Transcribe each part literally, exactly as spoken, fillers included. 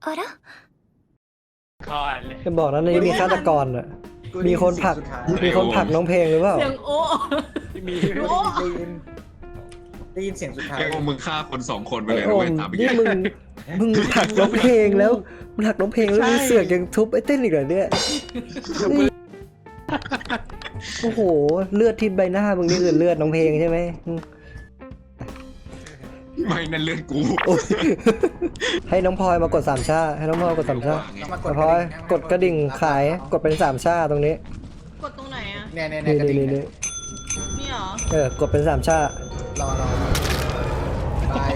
からก่อนเลยจะบอกนะในนี้มีฆาตกรอ่ะมีคนผลักมีคนผลักน้องเพลงหรือเปล่าเสียงโอ้มีโอ้ได้ยินได้ยินเสียงสุดท้ายแกงมึงฆ่าคนสองคนไปไอ้เลยโอนะเว้มยถามไปนี่ยี่มึงมึงผลักน้องเพลงแล้วมึงผลักน้องเพลงแล้วมึงเสือกยังทุบไอ้เต้นอีกเหรอเนี่ยนี่โอ้โหเลือดที่ใบหน้ามึงนี่คือเลือดน้องเพลงใช่ไหมไม่นั่นเลือดกูโอ้ยให้น้องพลอยมากดสามชาให้น้องพลอยกดสามชาต้องมากน้ดองพลอยกดกระดิ่งขายกดเป็นสามชาตรงนี้กดตรงไหนอ่ะเนี่ยเนี่ยเนี่นี่ยกระนี่ดิ่งนี่เนี่นี่ยนี่เหรอเออกดเป็นสามชารอรอตาย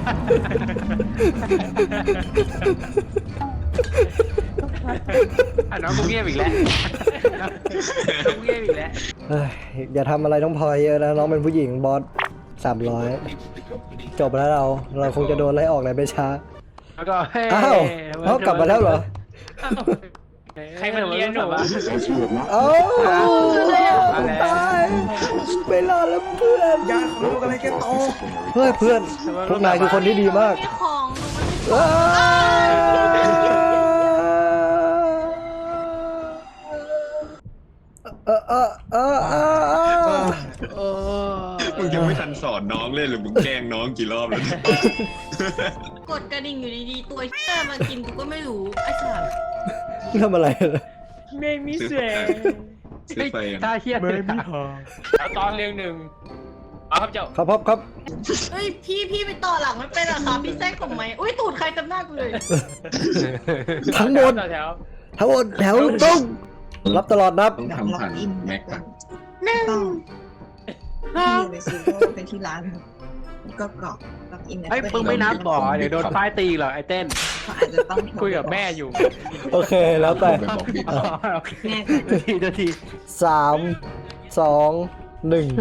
อ่ะน้องกูเงียบอีกแล้วน้องกูเงียบอีกแล้วเอ้ยอย่าทำอะไรน้องพลอยเยอะนะน้องเป็นผู้หญิงบอสสามร้อยจบแล้วเราเราคงจะโดนไล่ออกเลยไปช้าแล้วก็เฮ้ยอ้าวเอ้ากลับมาแล้วเหรอใครมันเลี้ยงหนูวะเอ้าตายไม่รอดแล้วเพื่อนยาของลูกอะไรแกโตเฮ้ยเพื่อนพวกนายคือคนที่ดีมากมีของอ้าวเออเออเออเออเออมึงยังไม่ทันสอนน้องเลยหรือมึงแกล้งน้องกี่รอบแล้วเนี่ยกดกระดิ่งอยู่ดีๆตัวเชี่ยมากินกูก็ไม่รู้ไอ้สัสทำอะไรล่ะไม่มีเสียงซื้อไปอ่ะถ้าเฮียไม่มีพอแล้วตอนเรียงหนึ่งเอาครับเจ้าครับครับครับเฮ้ยพี่พี่ไปต่อหลังไม่เป็นเหรอคะพี่แทรกผมไหมอุ้ยตูดใครจำหน้ากูเลยทั้งหมดต่อแถวทั้งหมดแถวตรงรับตลอดนับต้องทำผ่านแม็กก่อนต้องที่ในซีโร่เป็นที่ร้านก็กรอกล็อกอินเฮ้ยมึงไม่นับบ่อเดี๋ยวโดนป้ายตีหรอกไอ้เต้นเขาอาจจะต้องคุยกับแม่อยู่โอเคแล้วแต่ไปบอกบิ๊กอ๋อโอเคแม่นาทีนาทีสามสองหนึ่ง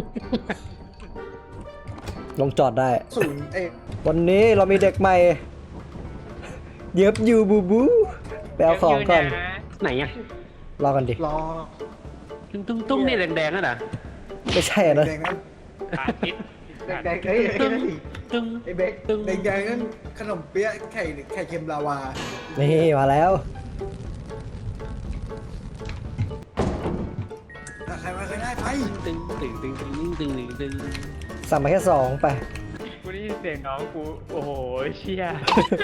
ลงจอดได้ศูนย์เอ้ยวันนี้เรามีเด็กใหม่ เย็บยูบูบูไปเอาของก่อนไหนอ่ะรอกันดิรอตุ้งตุ้งตุ้งนี่แดงๆนั่นน่ะไม่ใช่นะแดงๆนั้นอาทิตย์แดงๆเอ้ยตึ้ไอ้งนี่ตึ้งไอ้เบคแดงๆนั้นขนมเปี๊ยะไข่ไข่เค็มลาวานี่มาแล้วถ้าใครมาใครได้ไปตึ้งตึ้งตึ้งตึ้งตึ้งตึ้งตึ้งสั่งมาแค่สองไปกูได้ยินเสียงน้องกูโอ้โหเชี่ย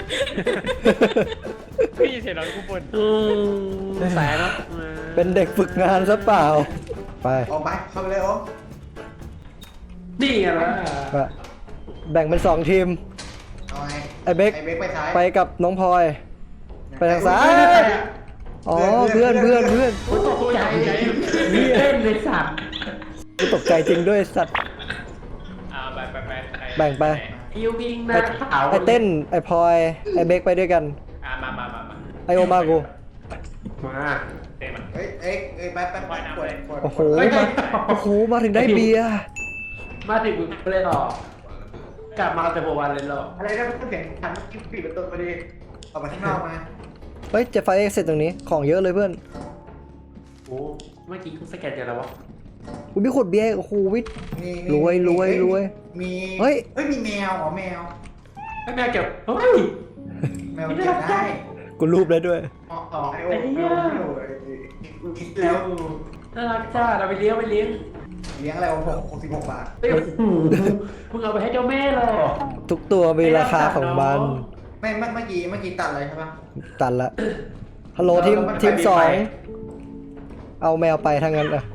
ได้ยินเสียงน้องกูบ่นแสนเป็นเด็กฝึกงานซะเปล่า ไปออกไปเข้าไปเลยโอ้นี่ไงล่ะไปแบ่งเป็นสองทีมเอาไงไอ้เบคไอ้เบคไปซ้ายไปกับน้องพลอย ไปทางซ้าย อ๋อเพื่อนเพื่อนเพื่อนตกใจเล่นเลยสัตว์กูตกใจจริงด้วยสัตว์อ่าไปไปไปแบ่งไปยิวยิงนะไอเต้น ไอพลอย ไอเบคไปด้วยกันอ่ามามามามาไอโอมากูมาเต้มันเฮ้ยเอ้ยเอ้ยไปไปไปกดกดโอ้โหมาโอ้โห มาถึงได้เบียร์มาถึงมึงเลยหรอกกลับมาแต่หัววันเลยหรออะไรนะมันเสียงทันปิดประตูพอดีออกมาข้างนอกมาเฮ้ยจะไฟเอ็กเสร็จตรงนี้ ของเยอะเลยเพื่อนโอ้เมื่อกี้กูสแกนกันแล้ววะกูมีขวดเบียร์ โอ้โหวิทนี่รวยรวยรวยมีเฮ้ยเฮ้ยมีแมวอ๋อแมวให้แม่เก็บเฮ้ยแมวเก็บได้กูรูปได้ด้วยอ๋ออ๋อไอโอ้ไอโอ้ไอโอ้คิดแล้วน่ารักจ้าเราไปเลี้ยงไปเลี้ยงเลี้ยงอะไรวะหกหกสิบหกบาทเฮ้ยมึงเอาไปให้เจ้าแม่เลยทุกตัวมีราคาของมันไม่เมื่อเมื่อกี้เมื่อกี้ตัดเลยใช่ปะตันละ ฮัลโหลทีมทีมสอง เอาแมวไปทางนั้นอะ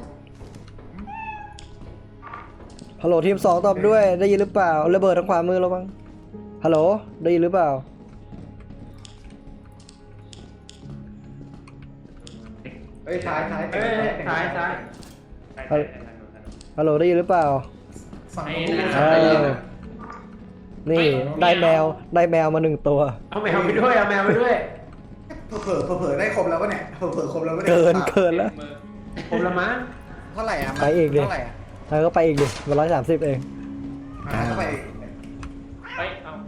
ฮัลโหลทีมสองตอบด้วย ได้ยินหรือเปล่า ระเบิดทางขวามือเราบ้างฮัลโหล ได้ยินหรือเปล่าเอ้ยท้ายท้ายเอ้ยซ้ายซ้ายฮัลโหลได้ยินหรือเปล่าฝั่งเออนี่ได้แมว ได้แมวมาหนึ่งตัวเอาแมวไปด้วยเอาแมวไปด้วยเผลอเผลอเผลอได้ครบแล้ววะเนี่ยเผลอเผลอครบแล้ววะเนี่ยเกินเกินแล้วผมละมั้งเท่าไหร่อ่ะไปอีกดิเท่าไหร่อ่ะแล้วก็ไปอีกดิมาร้อยสามสิบเองอ่าเท่าไหร่เฮ้ยเอา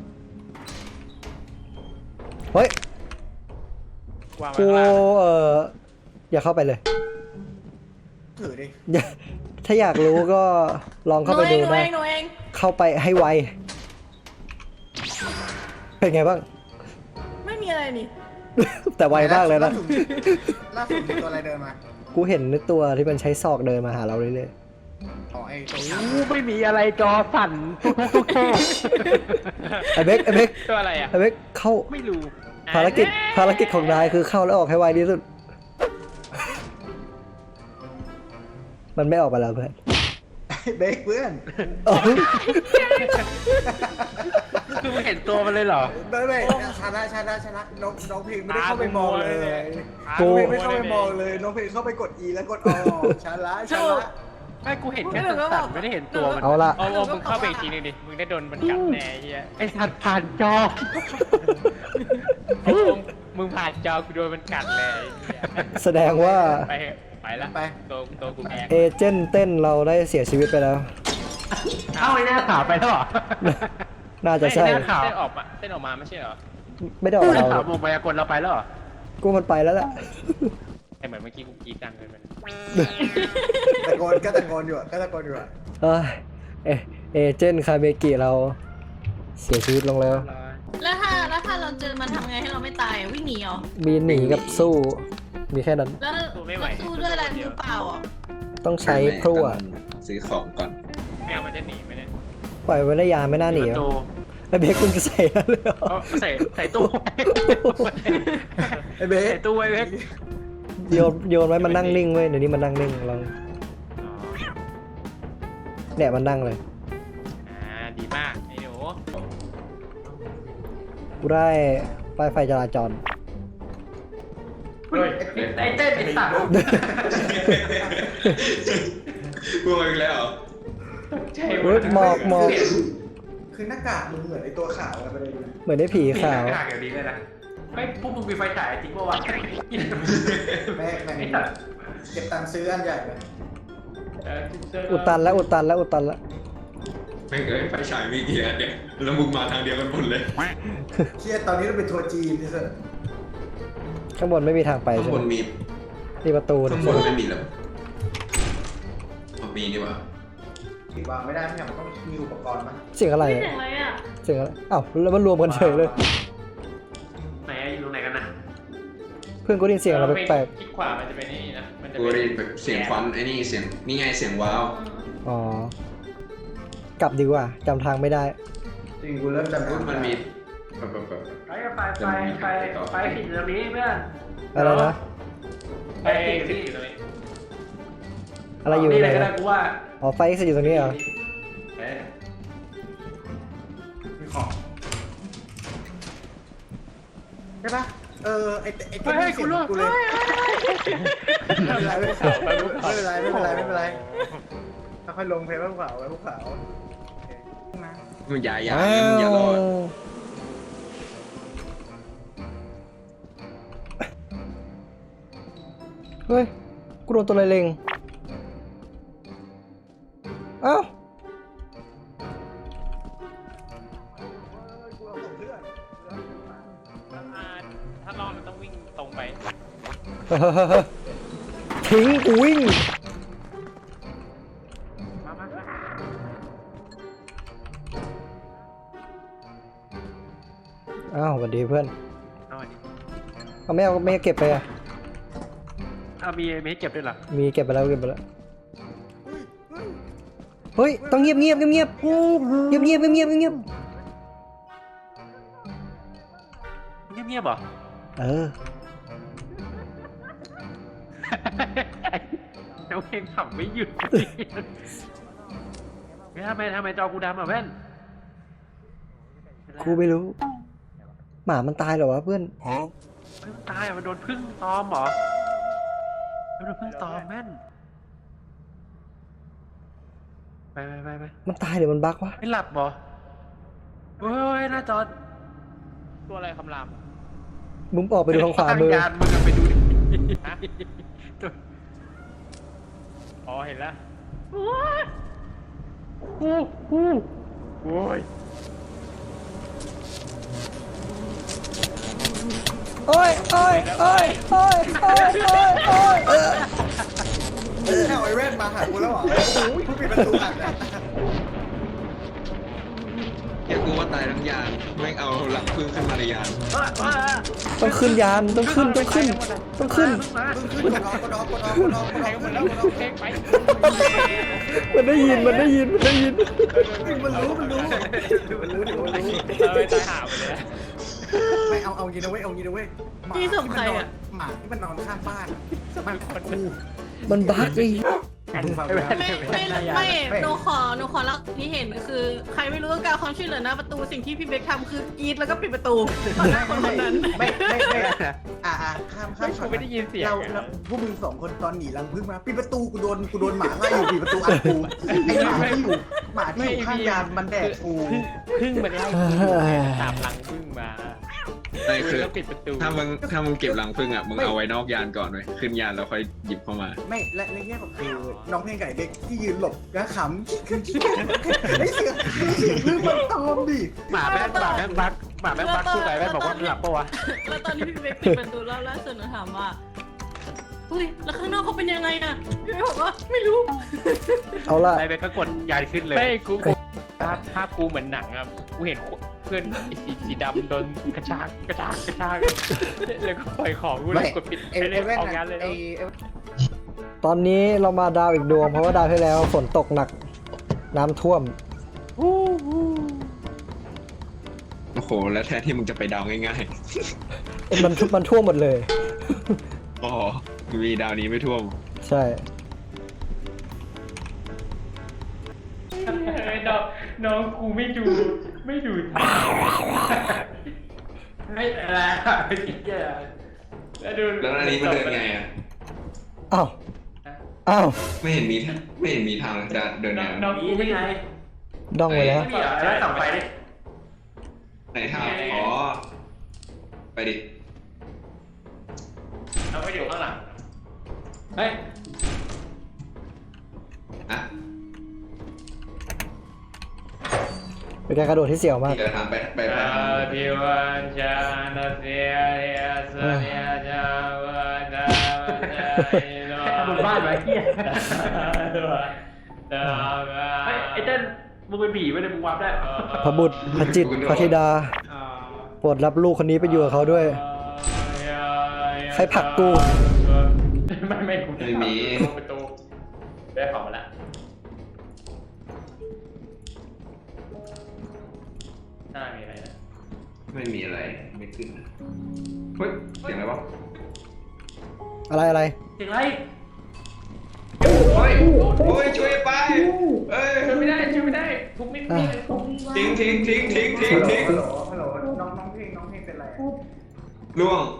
เฮ้ยวางไว้กูข้างล่างเอออย่าเข้าไปเลยถือดิอย่าถ้าอยากรู้ก็ลองหเข้านูไปเอดูงหนูได้เองหนูเองเข้าไปให้ไว เป็นไงบ้างไม่มีอะไรอะไรนี่แต่ไวมากเลยนะล่าสุดมีตัวอะไรเดินมากูเห็นตัวที่มันใช้ศอกเดินมาหาเราเรื่อยอ๋อไอ้ตัวอู้ไม่มีอะไรจอสั่นทุกทุกทุกๆไอ้เบคไอ้เบคตัวอะไรอ่ะไอ้เบคเข้าไม่รู้ภารกิจภารกิจของนายคือเข้าแล้วออกให้ไวที่สุด มันไม่ออกไปแล้วเพื่อนเบคเพื่อนอ๋อคือมึงเห็นตัวมันเลยเหรอเดินเลยชนะชนะชนะน้องน้องเพลงไม่ได้เข้าไปมองเลยกูน้องเพลงไม่เข้าไปมองเลยน้องเพลงเข้าไปกด E แล้วกดออชนะชนะไม่กูเห็นแค่สั่นๆไม่ได้เห็นตัวมันเอาละเอาเอามึงเข้าไปอีกทีนึงดิ มึงได้โดนมันกัดแน่ไอ้เฮียไอ้สัตว์ผ่านจอเอามึงมึงผ่านจอกูโดนมันกัดเลยไอ้เหี้ยแสดงว่าไปเถอะไปละไปตัวตัวกูแพ้เอเจนต์เต้นเราได้เสียชีวิตไปแล้วเอ้าไอ้หน้าขาวไปแล้วเหรอน่าจะใช่ไม่น่า ข่าวเต้นออกมาเต้นออกมาไม่ใช่เหรอไม่ได้ออกหน้าเราขาวมงมายากลเราไปแล้วเหรอกูมันไปแล้วแหละแต่เหมือนเมื่อกี้กูกรีดดังเลยมันตะโกนก็ตะโกนอยู่อะก็ตะโกนอยู่อะเอ้ยเอเอเจนต์คาเบกิเราเสียชีวิตลงแล้วแล้วถ้าแล้วถ้าเราเจอมันทำไงให้เราไม่ตายอะวิ่งหนีเหรอมีหนีกับสู้ มีแค่นั้นแล้วแล้วสู้ด้วยอะไรมือเปล่าอ่ะต้องใช้พลั่วซื้อของก่อนแมวมันจะหนีไหมเนี่ยปล่อยไว้ระยะไม่น่าหนีประตูไอ้เบคคุณจะใส่แล้วเลยเหรอเอาใส่ใส่ตู้ไว้ไอ้เบคใส่ตู้ไว้เว้ยโยนโยนไว้มันนั่งนิ่งเว้ยเดี๋ยวนี้มันนั่งนิ่งลองเนี่ยมันนั่งเลยอ่าดีมากไอ้หนูกูได้ป้ายไฟจราจรเฮ้ยไอ้เต้นไอ้สัตว์พูดมาอีกแล้วเหรอใช่เฮ้ยหมอกหมอกคือหน้ากากมึงเหมือนไอ้ตัวขาวอะไรไปเลยเหมือนได้ผีขาวห่างอย่างนี้เลยนะเฮ้ยพวกมึงมีไฟฉายจริงป่าวะแม่แม่ไอ้สัตว์เก็บตังค์ซื้ออันใหญ่เลยอุดตันแล้วอุดตันแล้วอุดตันแล้วไม่เคยไฟฉายมีกี่อันเนี่ยแล้วมึงมาทางเดียวกันหมดเลยเชี่ยตอนนี้เราเป็นทัวร์จีนที่สุดข้างบนไม่มีทางไปข้างใช่บไหมนมีนี่ประตูข้างบนไม่มีแล้วอ๋อมีนี่หว่าติดวางไม่ได้ไม่ใช่มันต้องมีอุปกรณ์มั้ยเสียงอะไรไม่อะเสียงอะไรอ่ะเสียงอะไรอ้าวแล้วมันรวมกันเฉยเลยไหนอะอยู่ตรงไหนกันนะเพื่อนกูได้ยินเสียงอะไรแปลกคลิกขวามันจะเป็นนี่นะ มันจะกูเป็นได้ยินแบบเสียงควันไอ้นี่เสียงนี่ไงเสียงว้าวๆอ๋อกลับดีกว่าจำทางไม่ได้จริงกูเริ่มจำได้มันมีแบบแบบแบบไปกับไปไปไปไปผิดตรงนี้เพื่อนอะไรนะไปไอ้ผิดที่ที่อยู่ตรงนี้อะไรอยู่นี่ไหเลนยก็ได้นะกูว่าอ๋อไฟเอ็กซ์อยู่ตรงนี้เหรอเอ๊ะมีของใช่ปะเออไอ้ไอ้เฮ้ยเฮ้ยกูรู้กูเลยไม่เป็นไรไม่เป็นไรไม่เป็นไรไม่เป็นไรค่อยๆลงเพลงภูเขาไว้ภูเขามันอย่าอย่าอ้าอย่ารอดวเฮ้ย กูโดนตัวอะไรเล็งเอ้าอ่าถ้ารอดมันต้องวิ่งตรงไปทิ้งกูวิ่งมามามาอ้าวสวัสดีเพื่อนเอาอันนี้เอาไม่เอาไม่เก็บไปอ่ะเอามีมีให้เก็บด้วยเหรอมีเก็บไปแล้วเก็บไปแล้ว เฮ้ย ต้องเงียบเงียบเงียบเงียบเงียบเงียบเงียบเงียบเงียบเงียบๆเหรอเออแล้วเพลงขำไม่หยุดเฮ้ยทำไมทำไมจอกูดำอ่ะเพื่อนกูไม่รู้ หมามันตายเหรอวะเพื่อนเฮ้ยมันตายอ่ะมันโดนพึ่งตอมเหรอมันโดนพึ่งตอมแม่นไปไปไปไปมันตายหรือมันบั๊กวะไม่หลับเหรอเฮ้ยหน้าจอตัวอะไรคำรามมึงออกไปดูทางขวามือตั้งยานมึงอะไปดูดิฮะ อ๋อเห็นแล้วกูกูโอ้ยโอ้ยโอ้ยโอ้ยโอ้ยโอ้ยโอ้ยโอ้ยเออแค่ไอ้แว่นมาหากูแล้วเหรอโอ้ยกูปิดประตูอัดนะแกกูว่าตายทั้งยานแม่งเอาหลังพึ่งขึ้นมาในยานเออเออเออต้องขึ้นยานต้องขึ้นต้องขึ้นต้องขึ้นมาขึ้นกดออกกดออกกดออกกดออกกดออกกดออกไปหมดแล้วเพลงไปมันได้ยินมันได้ยินมันได้ยินมันรู้มันรู้มันรู้มันรู้เออตายหาไปเลยนะไม่เอาเอางี้นะเว้ยเอางี้นะเว้ยหมาพี่ส่งใครอะหมาที่มันนอนข้างบ้านมันกูมันบั๊กไอ้มึงฟังไม่นะไม่ไม่ไม่ไม่ไม่หนูขอหนูขอเล่าที่เห็นคือ ใครไม่รู้ก็การความช่วยเหลือหน้าประตูสิ่งที่พี่เบคทำคือกรีดแล้วก็ปิดประตูต่อหน้าคนคนนั้นไม่ไม่ไม่อ่าอ่าข้ามข้ามกูไม่ได้ยินเสียงเราเราพวกมึงสองคนตอนหนีรังพึ่งมาปิดประตูกูโดนกูโดนหมาไล่อยู่ปิดประตูอัดกูไอหมาที่อยู่หมาที่อยู่ข้างยานมันแดกกูพึ่งมันไล่ตามหลังพึ่งมาใช่คือแล้วปิดประตูถ้ามึงถ้ามึงเก็บหลังพึ่งอ่ะมึงเอาไว้นอกยานก่อนเลยขึ้นยานแล้วค่อยหยิบเข้ามาไม่และในแง่ของคือน้องเพลงไก่เด็กที่ยืนหลบแล้วขำไอเสียงเสียงพึ่งมันตอมดิหมาแม่งหมาแม่งบักหมาแม่งบักคู่ไก่แม่งบอกว่ามันหลับปะวะแล้วตอนที่พี่เบคปิดประตูรอบล่าสุดหนูถามว่าเฮ้ยแล้วข้างนอกเขาเป็นยังไงอะพี่เบคบอกว่าไม่รู้เอาละไอ้เบคก็กดยานขึ้นเลยไม่กูกูภาพภาพกูเหมือนหนังอ่ะกูเห็นเพื่อนไอ้สีสีดำโดนกระชากกระชากกระชากแล้วก็ปล่อยของกูเลยกดปิดไอไปไอเลยแว่นออกงานเลยไอแล้วตอนนี้เรามาดาวอีกดวงเพราะว่าดาวที่แล้วฝนตกหนักน้ำท่วมโอ้โห แล้วแทนที่มึงจะไปดาวง่ายมันมันท่วมหมดเลยๆอ๋อมีดาวนี้ไม่ท่วมใช่น้องน้องกูไม่ดูไม่ดูไม่อะไรไม่คิดแย่แล้วดูแล้วอันนี้มันเดินไงอ่ะอ้าวอ้าวไม่เห็นมีทางไม่เห็นมีทางจะเดินไงน้องกูไม่ไงดองไว้แล้วนี่เหรอแล้วส่องไฟดิไหนทางอ๋อไปดิเราไปอยู่ข้างหลังเฮ้ยอ่ะเป็นการกระโดดที่เสี่ยวมากเดินทางไปไปไปทางพิวันชาณเสียเรียสเนียจาวดาโนบนบ้านไว้เฮียไอ้ไอ้เต้นมึงเป็นผีไม่ได้มึงวับได้พระบุตรพระจิตรพระธิดาโปรดรับลูกคนนี้ไปอยู่กับเขาด้วย ใครผลักกูไม่ไม่กูไม่มีประตูได้ของมาแล้วหน้ามีอะไรนะไม่มีอะไรไม่ขึ้นเฮ้ยเสียงอะไรวะอะไรอะไรเสียงไรโอ้ยโอ้ยช่วยไปเอ้ยช่วยไม่ได้ช่วยไม่ได้ทุกไม่มีเลยทุกทิ้งทิ้งทิ้งทิ้งทิ้งทิ้งฮัลโหลฮัลโหลน้องน้องเพลงน้องเพลงเป็นไรอะล่วง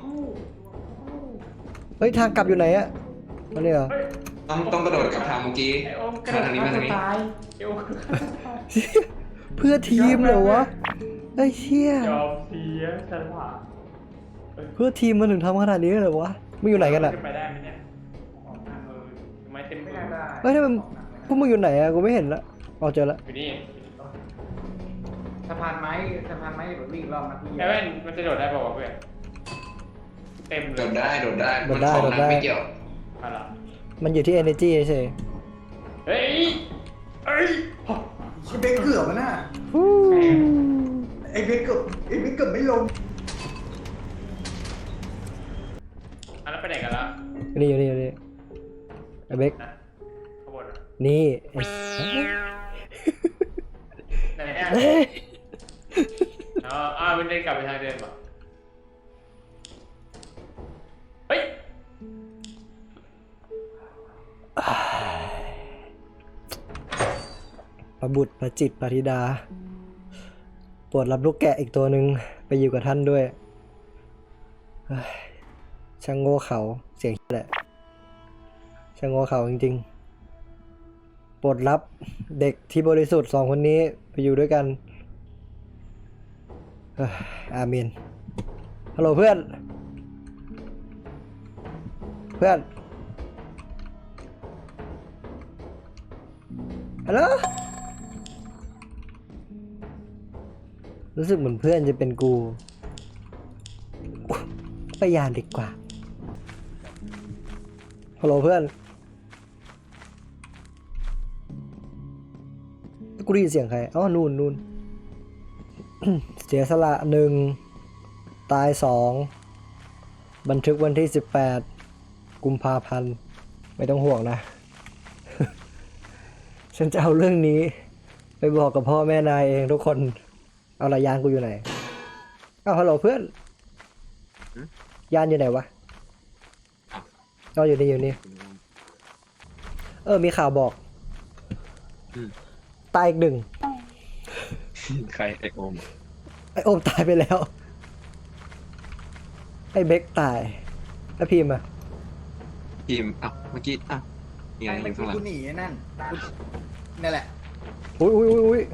เฮ้ยทางกลับอยู่ไหนอะอันนี้เหรอต้องต้องกระโดดกลับทางเมื่อกี้ไอโอมกระมาโดดทางนี้มาทางนี้ตายไอโอมเพื่อทีมเหรอวะไอ้เชี่ยยอมเสียฉลาดเพื่อทีมมันถึงทำขนาดนี้เลยเหรอวะมึงอยู่ไหนกันอะขึ้นไปได้ไหมเนี่ยเออทำไมเต็มไม่มือน่าได้เฮ้ยทำไมพวกมึงอยู่ไหนอะกูไม่เห็นละเอาเจอละอยู่นี่สะพานไม้สะพานไม้แบบวิ่งรอบนาทีไอแว่นมันจะโดดได้ป่าววะเพื่อนเต็มเลโดยดได้โดดได้มันของนั้นไม่เกี่ยวอะไรมันอยู่ที่ energy เฉยเฮ้ยเอ้ยไอ้เบคเกือบมันน่ะๆฮู้ไอ้เบคเกือบไอ้เบคเกือบไม่ลงอันนั้นไปไหนกันละอยู่นี่อยู่นี่อยู่นี่ไอ้เบคนะข้างบนอะนี่ไอ้ไหนอ่ะเอ้ยอ๋ออ่ามันเดินกลับไปทางเดิมป่ะเฮ้ยพระบุตรพระจิตรพระธิดาโปรดรับลูกแกะอีกตัวหนึ่งไปอยู่กับท่านด้วยเฮ้ยช่างโง่เขาเสียงแหละช่างโง่เขาจริงๆโปรดรับเด็กที่บริสุทธิ์สองคนนี้ไปอยู่ด้วยกันเฮ้ยอาเมนฮัลโหลเพื่อนเพื่อนฮัลโหลรู้สึกเหมือนเพื่อนจะเป็นกูไปยานดีกว่าฮัลโหลเพื่อนกูได้ยินเสียงใครอ๋อนู่นนู่นเสียสละหนึ่งตายสองบันทึกวันที่สิบแปดกุมภาพันธ์ไม่ต้องห่วงนะ ฉันจะเอาเรื่องนี้ ไปบอกกับพ่อแม่นายเองทุกคน เอาละยานกูอยู่ไหนเอาฮัลโหลเพื่อนยานอยู่ไหนวะก็อยู่นี่อยู่นี่เออมีข่าวบอกตายอีกหนึ่งใครไอโอมไอโอมตายไปแล้ว ไอเบคตายไอพิมพ์อะทีมอ่ะเมื่อกี้อ่ะยังไงไอ้อยู่เมื่อข้างหลังกี้กูหนีไอ้นั่นกูนั่นแหละอุ้ยอุ้ยอุ้ยอุ้ย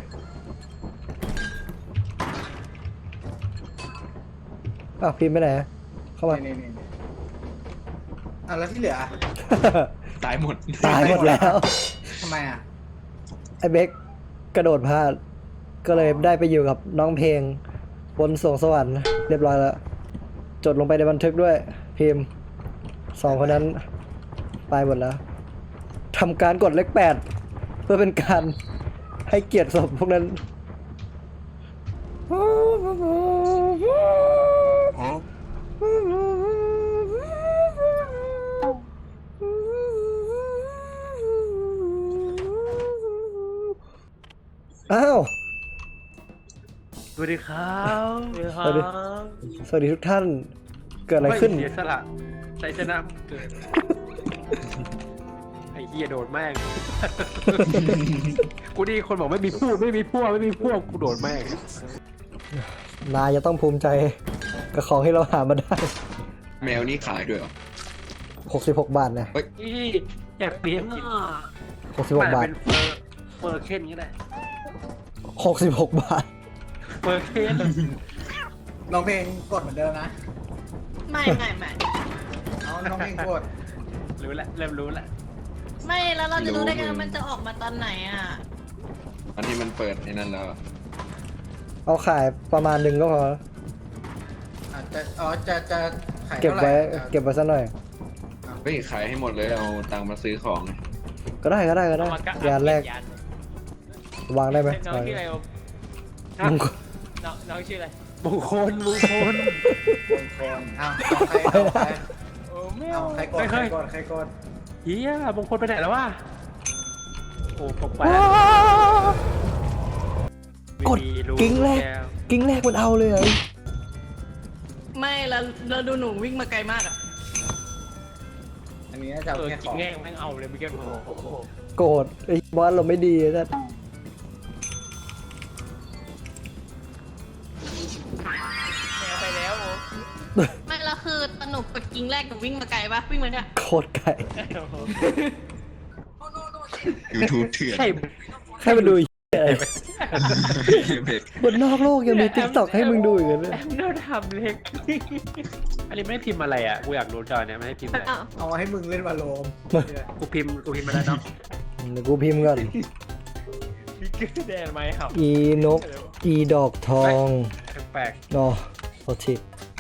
อ้าวพิมพ์ไปไหนอะเข้ามานี่นี่นี่อ่ะแล้วที่เหลือตายหมดตายหมดแล้วทำไมอ่ะไอเบคกระโดดพลาด ก็เลยได้ไปอยู่กับน้องเพลงบนสวงสวรรค์เรียบร้อยแล้ว จดลงไปในบันทึกด้วย พิมพ์สองคนนั้นตายหมดแล้วทำการกดเลขแปดเพื่อเป็นการให้เกียรติศพพวกนั้น อ้าวสวัสดีครับสวัสดี สวัสดีทุกท่าน เกิดอะไรขึ้นเสียสละใช้ชนะเกิด ไอ้เหี้ยโดดแม่ง กูดีคนบอกไม่มีพวกไม่มีพวกไม่มีพวกกูโดดแม่งนายจะต้องภูมิใจกับของที่เราหามาได้แมวนี่ขายด้วยเหรอหกสิบหก บาทนะอีอยากเลี้ยงอ่ะหกสิบหก บาทเป็นเฟอร์เฟอร์เคนก็ได้หกสิบหก บาทเฟอร์เคนน้องเพลงกดเหมือนเดิมนะไม่ไม่ไม่เอาน้องเพลงกดรู้แล้วเริ่มรู้แล้วไม่แล้วเราจะรู้ได้ไงว่ามันจะออกมาตอนไหนอ่ะอันนี้มันเปิดในนั้นแล้วเอาขายประมาณหนึ่งก็พออาจจะอ๋อจะจะขายเก็บเท่าไหร่ไว้อ่ะเก็บไว้สักหน่อยเฮ้ยขายให้หมดเลยเอาตังค์มาซื้อของก็ได้ก็ได้ก็ได้เอามากะยานแรกยานวางได้ไหมน้องชื่ออะไรโอมมงคลน้องน้องชื่ออะไรมงคลมงคลคนเอาเอาใครเอาใครโอ้ไม่เอาเอาใครกดไม่ใคเครยกดใครกดเฮียมงคลไปไหนแล้ววะโอ้ปกไปกดกิ้งแรก กิ้งแรกมันเอาเลยเหรอไม่แล้วเราดูหนูวิ่งมาไกลมากอ่ะอันนี้น่าจะเอาเออแค่จขริอง งแง่แม่งเอาเลยเมื่อกี้โอ้โหโกรธไอ้บอสเราไม่ดีนะแมวไปแล้วโอ้ไม่แล้วคือตนุกกับกิ้งแรกกับวิ่งมาไกลปะวิ่งมาเนี่ยโคตรไก่ยูทูบเถื่อนใช่ให้มันดูไอ้เหี้ยอะไรเบ็ดบนนอกโลกยังมีติ๊กต็อกให้มึงดูอีกเลยแอมโดนทำเล็กอันนี้ไม่ได้พิมพ์อะไรอ่ะกูอยากรู้จอเนี่ยไม่ได้พิมพ์อะไรอ้าวเอาให้มึงเล่นวาโลมกูพิมพ์กูพิมพ์มาแล้วเนาะเดี๋ยวกูพิมพ์ก่อนมีกึ๊ดแดงไหมครับอีนก อีดอกทองแปลกอ๋อโทษที